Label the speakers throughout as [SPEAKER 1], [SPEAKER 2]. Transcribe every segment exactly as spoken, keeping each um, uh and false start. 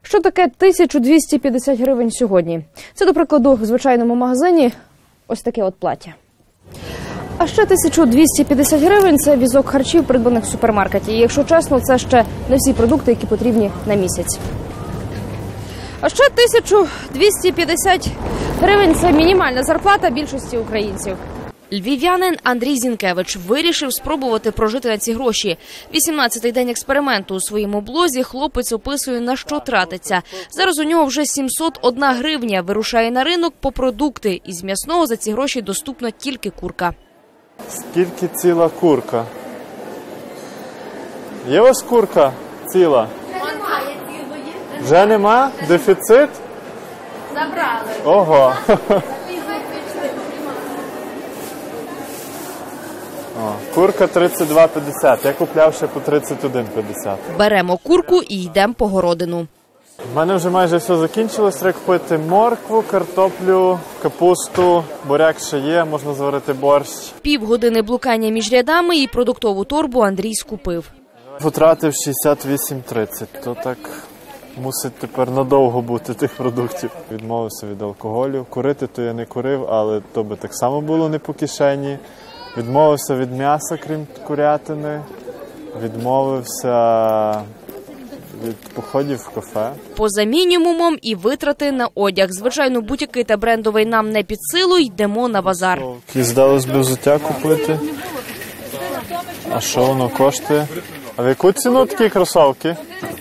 [SPEAKER 1] Що таке тисяча двісті п'ятдесят гривень сьогодні? Це, до прикладу, в звичайному магазині ось таке от плаття. А ще тисяча двісті п'ятдесят гривень – це візок харчів, придбаних в супермаркеті. І, якщо чесно, це ще не всі продукти, які потрібні на місяць. А ще тисяча двісті п'ятдесят гривень – це мінімальна зарплата більшості українців.
[SPEAKER 2] Львів'янин Андрій Зінкевич вирішив спробувати прожити на ці гроші. вісімнадцятий день експерименту. У своєму блозі хлопець описує, на що тратиться. Зараз у нього вже сімсот одна гривня. Вирушає на ринок по продукти. Із м'ясного за ці гроші доступна тільки курка.
[SPEAKER 3] Скільки ціла курка? Є у вас курка ціла?
[SPEAKER 4] Немає цілої.
[SPEAKER 3] Вже нема? Дефіцит?
[SPEAKER 4] Забрали.
[SPEAKER 3] Ого. О, курка тридцять два п'ятдесят. Я купляв ще по тридцять один п'ятдесят.
[SPEAKER 2] Беремо курку і йдемо по городину.
[SPEAKER 3] У мене вже майже все закінчилось. Треба купити моркву, картоплю, капусту, буряк ще є, можна зварити борщ.
[SPEAKER 2] Півгодини блукання між рядами і продуктову торбу Андрій скупив.
[SPEAKER 3] Потратив шістдесят вісім тридцять, то так мусить тепер надовго бути тих продуктів. Відмовився від алкоголю. Курити то я не курив, але то би так само було не по кишені. Відмовився від м'яса, крім курятини. Відмовився від походів в кафе.
[SPEAKER 2] Поза мінімумом і витрати на одяг. Звичайно, бутіки та брендовий нам не під силу, йдемо на базар.
[SPEAKER 3] І здалось би взуття купити. А що воно коштує? А в яку ціну такі кросовки?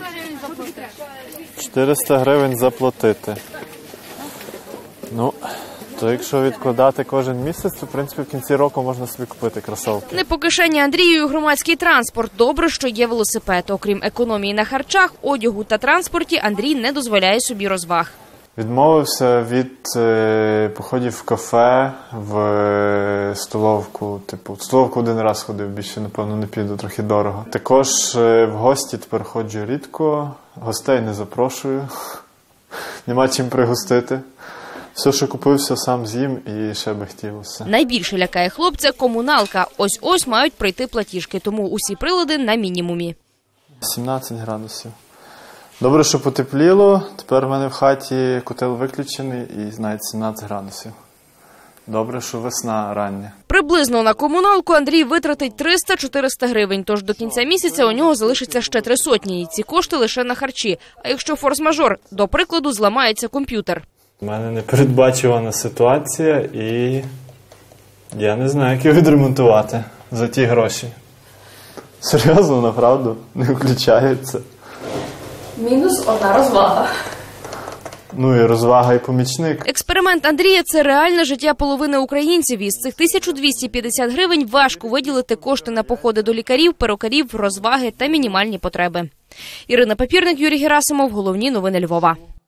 [SPEAKER 3] чотириста гривень заплатити. Ну, то якщо відкладати кожен місяць, то, в принципі, в кінці року можна собі купити кросовки.
[SPEAKER 2] Не по кишені Андрію громадський транспорт. Добре, що є велосипед. Окрім економії на харчах, одягу та транспорті, Андрій не дозволяє собі розваг.
[SPEAKER 3] Відмовився від е, походів в кафе, в е, столовку. Типу, в столовку один раз ходив, більше, напевно, не піду, трохи дорого. Також е, в гості тепер ходжу рідко, гостей не запрошую, нема чим пригостити. Все, що купив, все сам з'їм і ще би хотілося.
[SPEAKER 2] Найбільше лякає хлопця комуналка. Ось-ось мають прийти платіжки, тому усі прилади на мінімумі.
[SPEAKER 3] сімнадцять градусів. Добре, що потепліло. Тепер в мене в хаті котел виключений і навіть сімнадцять градусів. Добре, що весна рання.
[SPEAKER 2] Приблизно на комуналку Андрій витратить триста-чотириста гривень, тож до кінця місяця у нього залишиться ще три сотні. І ці кошти лише на харчі. А якщо форс-мажор, до прикладу, зламається комп'ютер.
[SPEAKER 3] У мене непередбачувана ситуація і я не знаю, як його відремонтувати за ті гроші. Серйозно, направду, не включається.
[SPEAKER 1] Мінус одна розвага.
[SPEAKER 3] Ну і розвага, і помічник.
[SPEAKER 2] Експеримент Андрія – це реальне життя половини українців. Із цих тисяча двісті п'ятдесят гривень важко виділити кошти на походи до лікарів, перукарів, розваги та мінімальні потреби. Ірина Папірник, Юрій Герасимов. Головні новини Львова.